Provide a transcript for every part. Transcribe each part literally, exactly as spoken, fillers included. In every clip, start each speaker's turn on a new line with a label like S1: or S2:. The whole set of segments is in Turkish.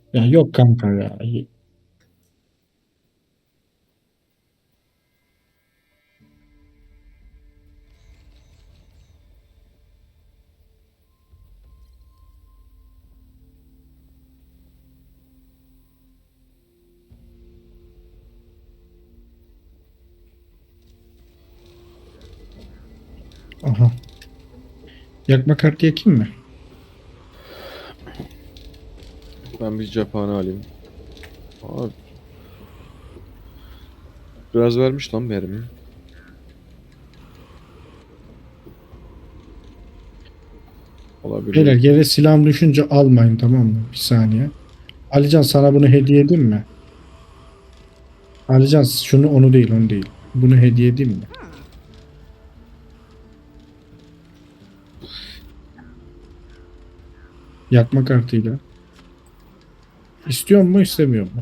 S1: Ya yok kanka ya. Aha. Yakma kartı yakayım mı?
S2: Ben bir cephane alayım. Abi, biraz vermiş lan mermi.
S1: Beyler
S2: Olabilir.
S1: yere silahım düşünce almayın, tamam mı? Bir saniye. Alican, sana bunu hediye edeyim mi? Alican, şunu, onu değil, onu değil. Bunu hediye edeyim mi? Yakma kartıyla. İstiyor mu istemiyor mu?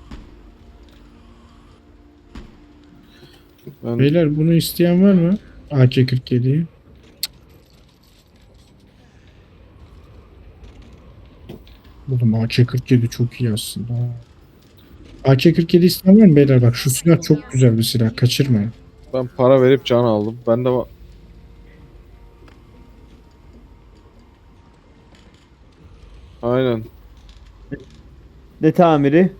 S2: Ben
S1: Beyler bunu isteyen var mı? A K kırk yediyi. Oğlum A K kırk yedi çok iyi aslında. A K kırk yedi isteyen var mı beyler? Bak şu silah çok güzel bir silah. Kaçırmayın.
S2: ben para verip can aldım. Ben de va- aynen.
S3: Ne tamiri?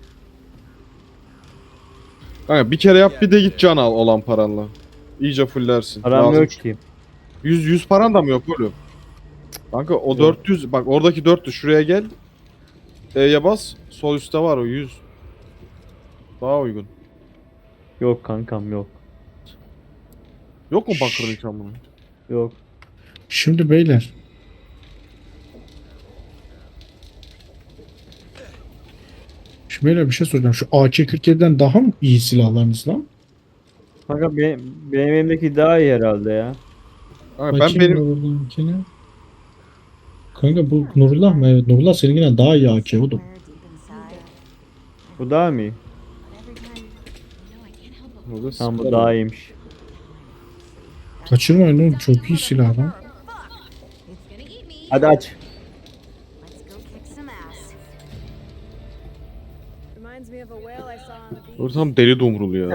S2: Kanka bir kere yap bir de git can al olan paranla. İyice fullersin.
S3: Param
S2: Lazım.
S3: yok ki.
S2: yüz yüz paran da mı yok oğlum? Kanka o
S3: Yok.
S2: dört yüz bak oradaki dört yüz şuraya gel. E'ye bas. Sol üstte var o yüz. Daha uygun.
S3: Yok kankam yok.
S2: Yok mu bakır nişan bunun?
S3: Yok.
S1: Şimdi beyler. Şimdi beyler bir şey soracağım. Şu A K kırk yediden daha mı iyi silahlarınız lan?
S3: Kanka benim, benim elimdeki daha iyi herhalde ya.
S2: Kanka ben
S1: Bakayım
S2: benim
S1: Nurullah'ınkine. Kanka bu Nurullah mı? Evet, Nurullah seninkinden daha iyi A K oğlum.
S3: Bu daha mı iyi?
S2: burada
S3: Tamam bu
S2: sıkarım.
S3: daha iyiymiş.
S1: Kaçırmayın oğlum, çok iyi silah lan.
S3: Hadi aç.
S2: Dur tam deli dumrulu ya.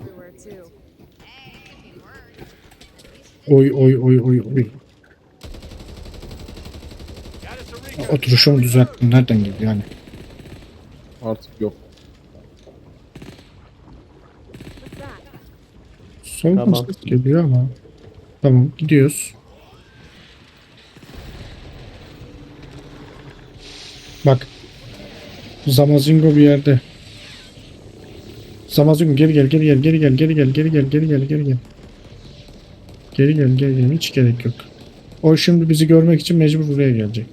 S1: Oy oy oy oy oy. Oturuşumu düzelttim. Nereden geldi yani?
S2: Artık yok.
S1: Soldan
S3: Tamam.
S1: ses geliyor ama. Tamam, gidiyoruz. Bak. Zamazingo bir yerde. Zamazingo geri gel geri gel geri gel geri gel geri gel geri gel geri gel. Geri gel geri gel, hiç gerek yok. O şimdi bizi görmek için mecbur buraya gelecek.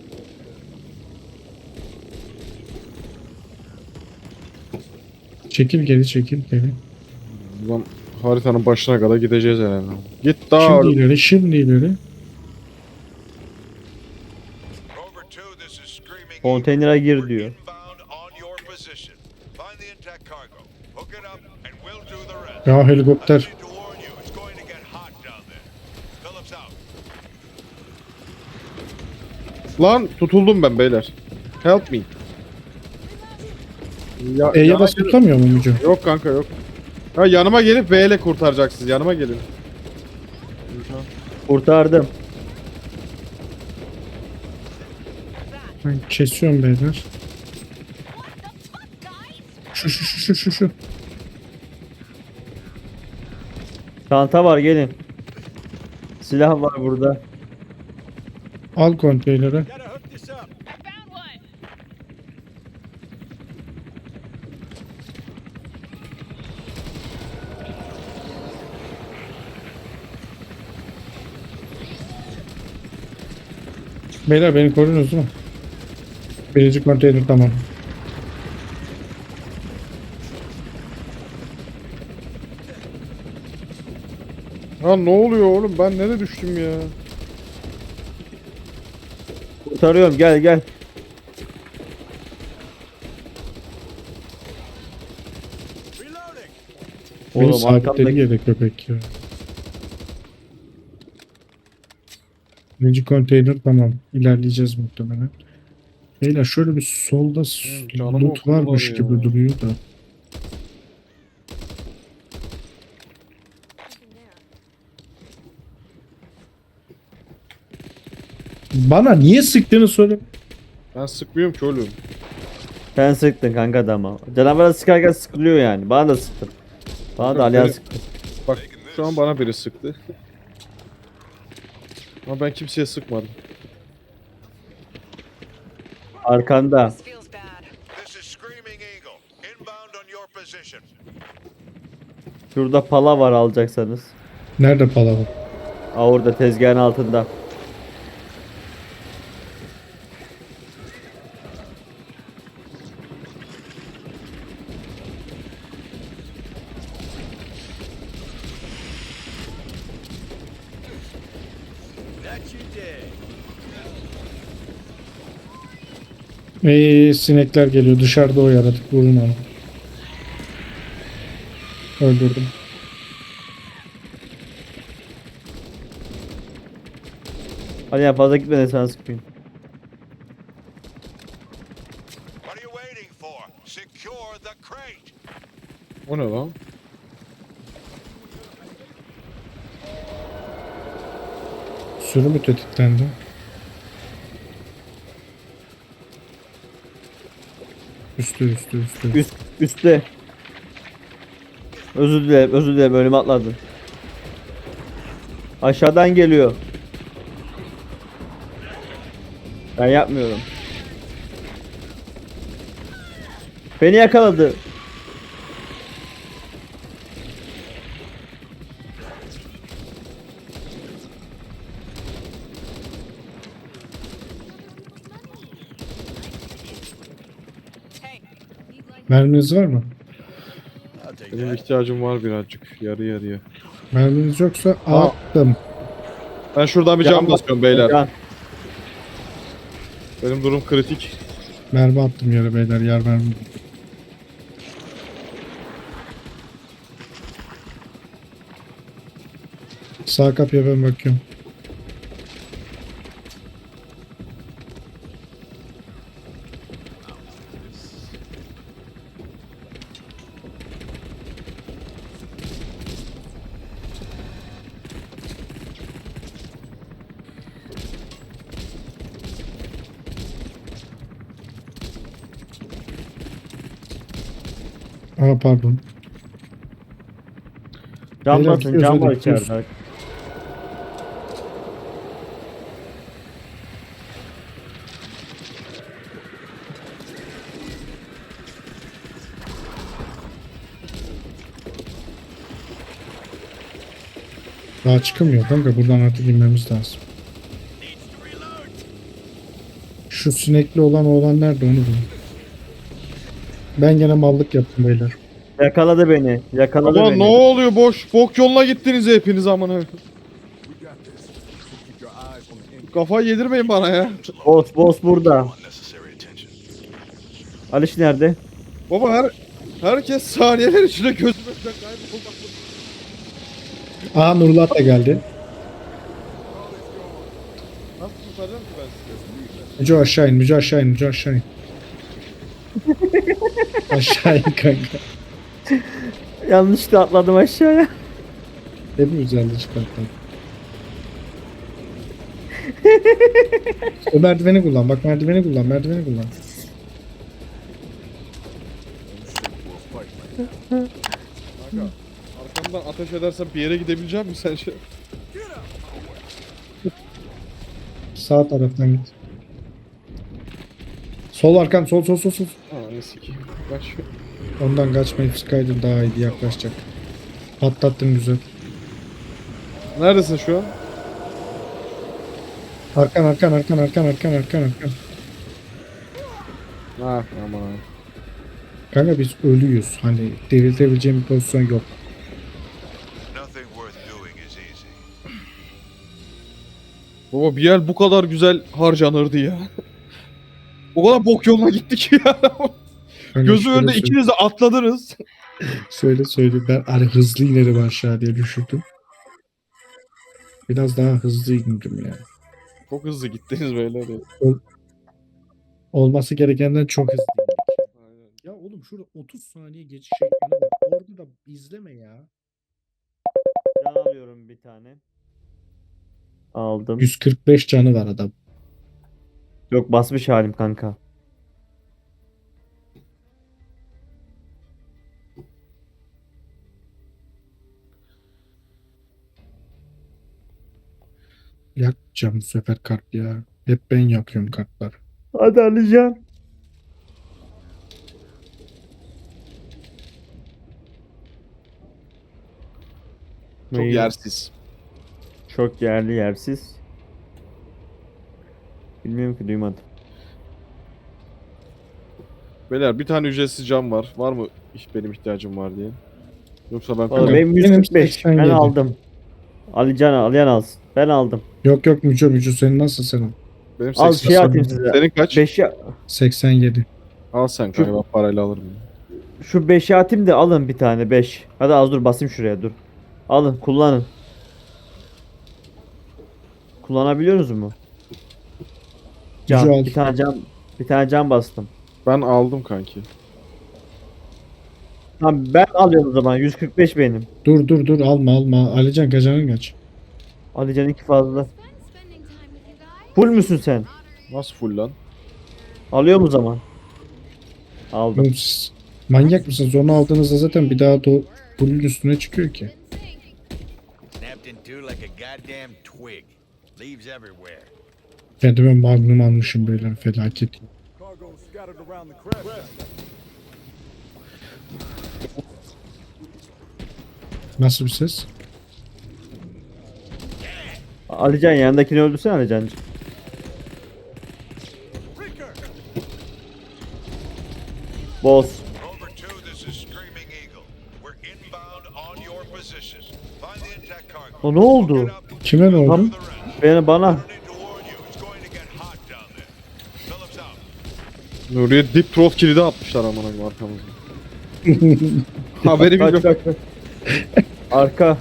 S1: Çekil geri, çekil geri.
S2: Buradan haritanın başına kadar gideceğiz herhalde. Git daha
S1: Şimdi
S2: öyle.
S1: ileri, şimdi ileri.
S3: Konteynere gir diyor.
S1: Ya helikopter.
S2: Lan tutuldum ben beyler. Help me. Ya,
S1: E'ye
S2: yana
S1: basıp
S2: gelin.
S1: tutamıyor mu Mücü?
S2: Yok kanka yok. Ha yanıma gelip V ile kurtaracaksınız. Yanıma gelin.
S3: Kurtardım.
S1: Ben kesiyorum beyler. Şu şu şu şu şu şu.
S3: Çanta var gelin. Silah var burada.
S1: Al konteyneri. Beyler beni korudunuz değil mi? Birinci konteyner tamam.
S2: Ha ne oluyor oğlum? Ben nereye düştüm ya?
S3: Kurtarıyorum gel gel.
S1: Beni
S3: Oğlum
S1: sabitledi
S3: arkamdaki
S1: yere köpek ya. Birinci konteyner tamam. İlerleyeceğiz muhtemelen. Beyler şöyle bir solda s-
S2: Hı, canımı
S1: loot
S2: okudular
S1: varmış
S2: ya.
S1: gibi duruyor da. Bana niye sıktığını söyle.
S2: Ben sıkmıyorum ki oğlum.
S3: Sen sıktın kanka adama. Canavara sıkarken sıkılıyor yani. Bana da sıktın. Bana da
S2: Kanka,
S3: Alihan
S2: beni-
S3: sıktı.
S2: Bak şu an bana biri sıktı. Ama ben kimseye sıkmadım.
S3: Arkanda.
S4: This feels bad.
S5: This is Screaming Eagle. Inbound on your position.
S3: Şurada pala var alacaksanız.
S1: Nerede palaver?
S3: Aa orada tezgahın altında.
S1: Eee sinekler geliyor. Dışarıda o yaratık. Vurun onu. Öldürdüm.
S3: Alihan fazla gitme de sana sıkmayayım.
S5: What are you waiting for? Secure the crate.
S2: O ne lan?
S1: Sürü mü tetiklendi? Üstü üstü üstü.
S3: Üst, üstte. Özür dilerim, özür dilerim önüme atladın. Aşağıdan geliyor. Ben yapmıyorum. Beni yakaladı.
S4: Hey,
S1: Merminiz var mı?
S2: Benim ihtiyacım var birazcık. Yarı yarıya.
S1: Merminiz yoksa
S2: Aa.
S1: attım.
S2: Ben şuradan bir cam
S3: Can-
S2: basıyorum beyler.
S3: Can.
S2: Benim durum kritik.
S1: Mermi attım yere beyler. Yer mermi. Sağ kapıya ben bakıyorum. Aa pardon.
S3: Can
S1: Beyler,
S3: basın,
S1: gidiyoruz,
S3: can
S1: hadi
S3: var
S1: gidiyoruz.
S3: içeride.
S1: Daha çıkamıyor kanka. Buradan artık inmemiz lazım. Şu sinekli olan oğlan nerede onu bulun. Ben gene mallık yaptım beyler.
S3: Yakaladı beni. Yakaladı
S2: Ama
S3: beni.
S2: ne oluyor boş? Bok yoluna gittiniz hepiniz amına. Kafayı yedirmeyin bana ya.
S3: Boss, boss burada. Aliş nerede?
S2: Baba her herkes saniyeler içinde gözümüzden kaybolmak.
S1: Aa Nurullah da geldi.
S2: Nasıl kurtaracağım ki ben sizi?
S1: Müco aşağı in. Müco aşağı in. Müco aşağı in. Aşağı in kanka.
S3: Yanlışlıkla atladım aşağıya.
S1: Hepimiz yanlış çıkarttık. O merdiveni kullan. Bak merdiveni kullan. Merdiveni kullan.
S2: Kanka arkamdan ateş edersen bir yere gidebilecek misin sen şey?
S1: Sağ taraftan git. Sol arkan. Sol sol sol sol.
S2: Aa ne sikeyim. Kaç.
S1: Ondan kaçmayıp sıkaydın daha iyiydi yaklaşacak. Patlattın güzel.
S2: Neredesin şu an?
S1: Arkan arkan arkan arkan arkan arkan arkan.
S2: Ha aman abi.
S1: Kanka biz ölüyüz. Hani diriltebileceğim bir pozisyon yok.
S5: Nothing worth doing is easy.
S2: Baba bir yer bu kadar güzel harcanırdı ya. O kadar bok yoluna gittik ya.
S1: Kanka
S2: Gözü
S1: şöyle
S2: önünde
S1: söyle-
S2: ikiniz de atladınız.
S1: Söyle söyle ben hani hızlı inerim aşağı diye düşündüm. Biraz daha hızlı indim yani.
S2: Çok hızlı gittiniz beyler ya.
S1: Olması gerekenden çok hızlı. Ya oğlum şurada otuz saniye geçiş ekranı var. Orada da izleme ya.
S3: Can alıyorum bir tane. Aldım.
S1: yüz kırk beş canı var adam.
S3: Yok basmış halim kanka.
S1: Yakacağım bu sefer kart ya. Hep ben yakıyorum kartlar.
S3: Hadi Alican.
S2: Çok
S3: İyi.
S2: yersiz.
S3: Çok yerli yersiz. Bilmiyorum ki duymadım.
S2: Beyler bir tane ücretsiz cam var. Var mı hiç benim ihtiyacım var diye? Yoksa ben
S3: Valla
S1: Kanka,
S3: benim
S1: benim
S3: yüz kırk beş.
S1: seksen
S3: Ben
S1: yedi.
S3: aldım. Alican Aliyan alsın. Ben aldım.
S1: Yok yok Müco Müco senin nasıl senin?
S2: benim
S3: Al
S2: seksen.
S3: şey atayım size.
S2: Senin kaç?
S3: beşi
S1: seksen yedi.
S2: Al sen kanka ben parayla alırım.
S3: Şu beşi atayım da alın bir tane beş. Hadi az dur basayım şuraya dur. Alın kullanın. Kullanabiliyoruz mu? Can,
S1: Güzel.
S3: bir tane can bir tane can bastım.
S2: Ben aldım kanki.
S3: Tamam ben alıyorum o zaman. yüz kırk beş benim.
S1: Dur dur dur alma alma. Alican kaçanın kaç?
S3: Alican iki fazla.
S4: Fun spending time with you guys.
S3: Full müsün sen?
S2: Nasıl full lan?
S3: Alıyorum o zaman. Aldım.
S1: Oğlum siz manyak mısınız? Onu aldığınızda zaten bir daha da bunun üstüne çıkıyor ki.
S5: Snapped in two like a goddamn twig. Leaves everywhere.
S1: Kendime magnum almışım beyler felaket.
S6: Cargo scattered around the crash site.
S1: Nasıl bir ses?
S3: Alican yanındakini öldürsene Alican. Boss.
S5: Rover two, this is Screaming Eagle. We're inbound on your position. Find the intact cargo.
S3: O ne oldu?
S5: Get up,
S1: Kime ne oldu?
S3: Tam
S5: the rest.
S3: beni bana.
S5: I need to warn you, it's going to get hot down there. Phillips out.
S2: Nuriye dip throat kilidi atmışlar amına koyayım arkamızda. Haberi
S3: Kaç,
S2: bile
S3: kaç, kaç. Arka.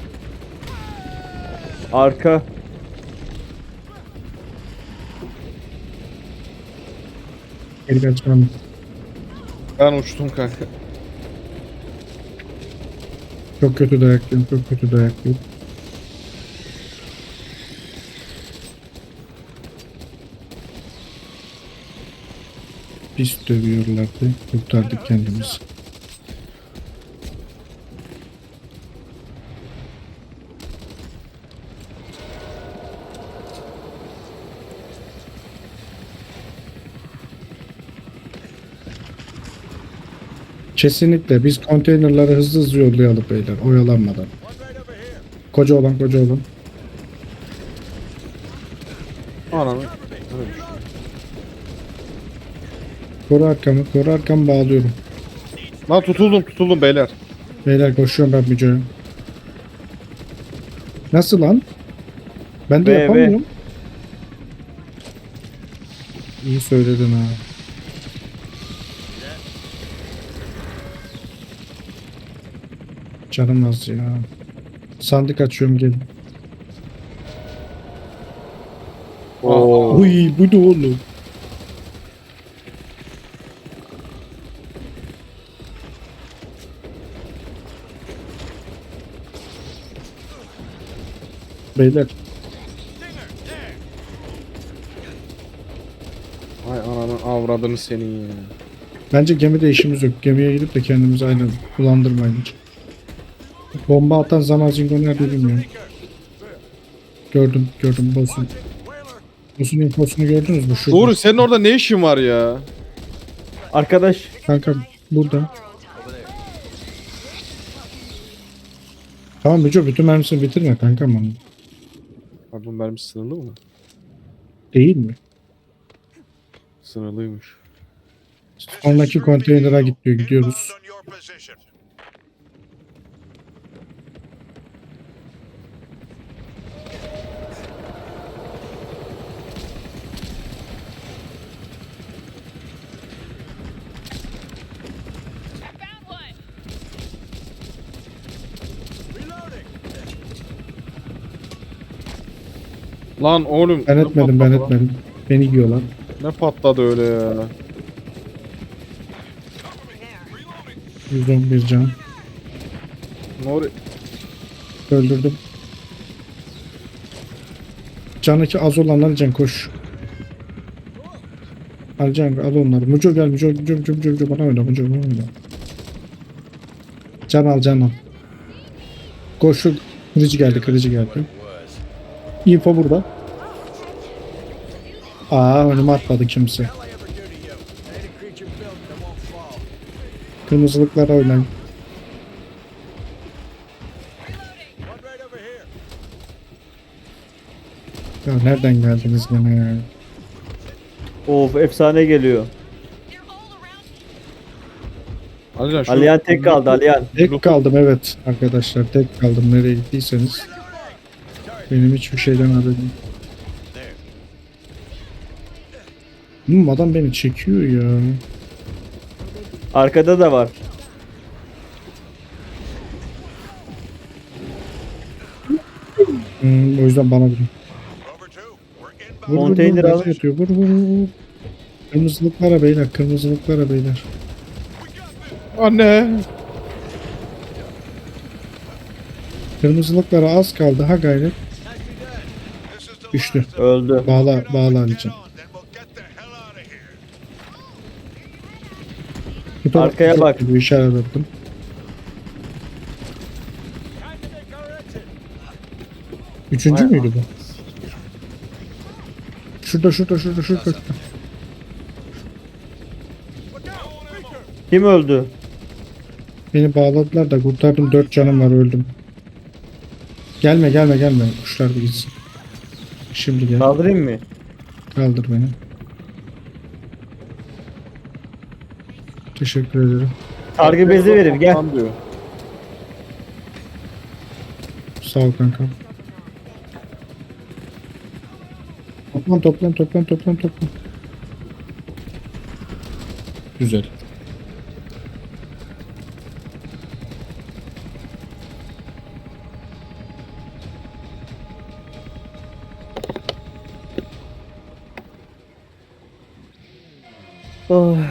S3: Arka.
S1: Geri kaçmam.
S2: Ben uçtum kanka.
S1: Çok kötü dayaklıyım. Çok kötü dayaklıyım. Pis dövüyorlardı. Kurtardık kendimizi. Kesinlikle biz konteynerları hızlı hızlı yollayalım beyler oyalanmadan. Koca olan koca olan.
S2: Ananı.
S1: Koru arkamı koru arkamı bağlıyorum.
S2: Lan tutuldum tutuldum beyler.
S1: Beyler koşuyorum ben Müco'ya. Nasıl lan? Ben de
S3: Ve-
S1: yapamıyorum. İyi söyledin ha. Canım az ya. Sandık açıyorum gelin.
S2: Oo.
S1: Uy bu ne oğlum? Beyler
S2: Ay ananı avradını senin ya.
S1: bence gemide işimiz yok. Gemiye gidip de kendimizi aynı bulandırmayın hiç. Bomba atan Zamazingo nerede bilmiyorum. Gördüm gördüm boss'un. Boss'un infosunu gördünüz mü? Şurada.
S2: Doğru senin orada ne işin var ya?
S3: Arkadaş.
S1: Kanka burada. Tamam Müco bütün mermisini bitirme kankam onu.
S2: Abi bu mermi sınırlı mı?
S1: Değil mi?
S2: Sınırlıymış.
S1: Sonraki konteynere git diyor gidiyoruz.
S5: Inbound on your position.
S4: Found one.
S2: Lan oğlum.
S1: Ben etmedim ben etmedim. Beni yiyorlar.
S2: Ne patladı öyle ya.
S1: yüz on bir can.
S2: Nuri
S1: Öldürdüm. Canı ki az olanlar can koş. Al can al onları. Muco gel Muco Muco Muco Muco, Muco bana oyna Muco bana oyna. Can al can al. Koş şu kılıcı geldi kılıcı geldi. Info burada. Aa önüme atladı kimse.
S6: Hell I ever do to you? Ain't a creature built that won't fall.
S1: Kırmızılıklara oynayın.
S6: One right over here.
S1: Ya nereden geldiniz gene ya?
S3: Of efsane geliyor.
S4: They're all around me.
S2: Alican şu
S3: Aliyan tek kaldı Aliyan.
S1: Tek kaldım evet arkadaşlar tek kaldım nereye gittiyseniz. Benim hiçbir şeyden haberim. Hmm, adam beni çekiyor ya.
S3: Arkada da var.
S1: Hmm, o yüzden bana vurun.
S5: Rover two, we're
S1: Vur,
S5: inbound.
S1: vur,
S3: Konteyner
S1: vur,
S3: al.
S1: gazı yatıyor. Vur vur vur. Kırmızılıklara beyler kırmızılıklara beyler.
S2: Anne.
S1: Kırmızılıklara az kaldı ha gayret.
S5: This is the
S1: Düştü.
S5: last of
S3: Öldü.
S1: Bağla
S5: it.
S1: bağla
S5: Get
S1: Alican.
S5: on, then we'll get the hell out of here.
S1: Bu taraf-
S3: Arkaya
S1: bu
S3: bak.
S1: taraf- Bu işaret ettim.
S6: Time to make our exit.
S1: Üçüncü
S3: Vay
S1: müydü bu? Şurada şurada şurada şurada.
S6: Look out! Beaker!
S3: Kim öldü?
S1: Beni bağladılar da kurtardım dört canım var öldüm. Gelme gelme gelme kuşlar bir gitsin. Şimdi gel
S3: Kaldırayım mı?
S1: kaldır beni. Teşekkür ederim.
S3: Sargı bezi verim gel.
S2: Tam diyor.
S1: Sağ ol kanka. Toplan toplan toplan toplan toplan. Güzel.
S3: Oh.